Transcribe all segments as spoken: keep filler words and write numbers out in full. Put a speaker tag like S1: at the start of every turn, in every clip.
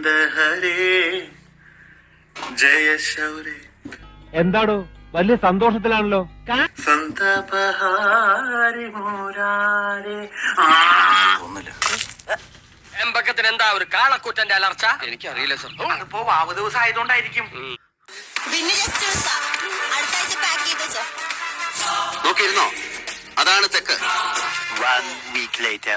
S1: ഗോവിന്ദ ഹരേ ജയ ശൗരേ.
S2: എന്താടോ വലിയ സന്തോഷത്തിലാണല്ലോ.
S1: സന്തപഹാരി മോരാരേ.
S3: എമ്പക്കത്തിന് എന്താ ഒരു കാളക്കൂറ്റന്റെ അലർച്ച? എനിക്കറിയില്ല സർ.
S1: അതിപ്പോ വാവ് ദിവസം ആയതുകൊണ്ടായിരിക്കും.
S4: പിന്നെ ജസ്റ്റ് അടുത്ത ആഴ്ച പാക്ക് ചെയ്ത് വെച്ചോ.
S5: നോക്കിയിരുന്നോ? അതാണ് തെക്ക്.
S1: One week later.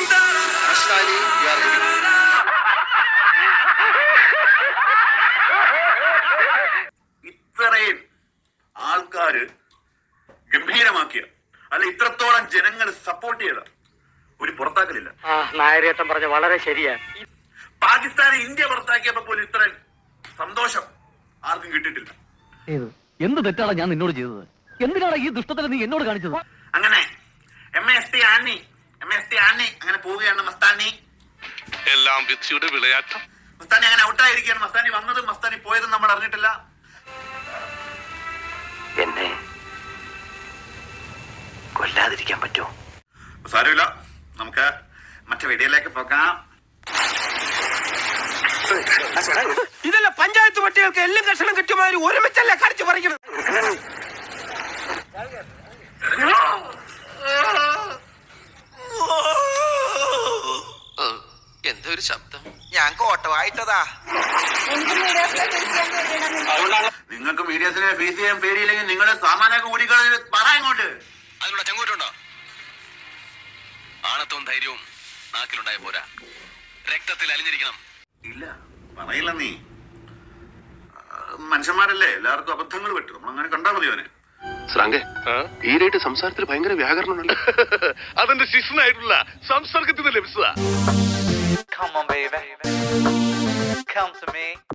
S1: ഇത്രയും ആൾക്കാര് ഗംഭീരമാക്കിയ അല്ല ഇത്രത്തോളം ജനങ്ങൾ സപ്പോർട്ട് ചെയ്ത ഒരു പുറത്താക്കലില്ല.
S3: നായരേട്ടൻ പറഞ്ഞ വളരെ ശരിയാ.
S1: പാകിസ്ഥാനെ ഇന്ത്യ പുറത്താക്കിയപ്പോ പോലും ഇത്രയും സന്തോഷം ആർക്കും കിട്ടിയിട്ടില്ല.
S6: എന്ത് തെറ്റാണ് ഞാൻ നിന്നോട് ചെയ്തത്? എന്തിനാണ് ഈ ദുഷ്ടത്തിൽ നീ എന്നോട് കാണിച്ചത്?
S1: അങ്ങനെ എം എസ് ടി ആന്നി എം എസ് ടി ആന്നി അങ്ങനെ പോവുകയാണ്. മസ്താനി
S7: എല്ലാം വിധിയുടെ വിളയാട്ടം.
S1: മസ്താനി അങ്ങനെ ഔട്ടായിരിക്കുകയാണ്. മസ്താനി വന്നതും മസ്താനി പോയതും നമ്മൾ അറിഞ്ഞിട്ടില്ല.
S5: എന്നെ കൊല്ലാതിരിക്കാൻ പറ്റുമോ?
S1: സാരമില്ല, നമുക്ക് മറ്റു വീഡിയോയിലേക്ക് പോകാം.
S3: ഇതല്ല പഞ്ചായത്ത് പട്ടികൾക്ക് എല്ലാം കഷണം കിട്ടുമാതിരി ഒരുമിച്ചല്ല കടിച്ചു പറിക്കണം.
S5: എന്തോ ഒരു ശബ്ദം.
S3: ഞാൻ കോട്ടവായിട്ടതാ.
S1: നിങ്ങൾക്ക് മീഡിയസിനെ ഫേസ് ചെയ്യാൻ പേടിയില്ലെങ്കിൽ നിങ്ങളുടെ സാമാന്യൊക്കെ കൂടിക്കളഞ്ഞ പറയാങ്ങോട്ട്.
S5: അതിനുള്ള ചങ്കൂറ്റുണ്ടോ? ആണത്തവും ധൈര്യവും നാക്കിലുണ്ടായ പോരാ, രക്തത്തിൽ അലിഞ്ഞിരിക്കണം.
S1: ഇല്ല പറയില്ല. നീ മനുഷ്യന്മാരല്ലേ, എല്ലാവർക്കും അബദ്ധങ്ങൾ പറ്റും. നമ്മൾ അങ്ങനെ കണ്ടാൽ മതി അവനെ.
S7: ശ്രാങ്കെ, ഈരായിട്ട് സംസാരത്തിൽ ഭയങ്കര വ്യാകരണമുണ്ട്. അതെന്റെ ശിഷ്യനായിട്ടുള്ള സംസർഗത്തിൽ നിന്ന് ലഭിച്ചതാ.
S8: Come on, baby. Come to me.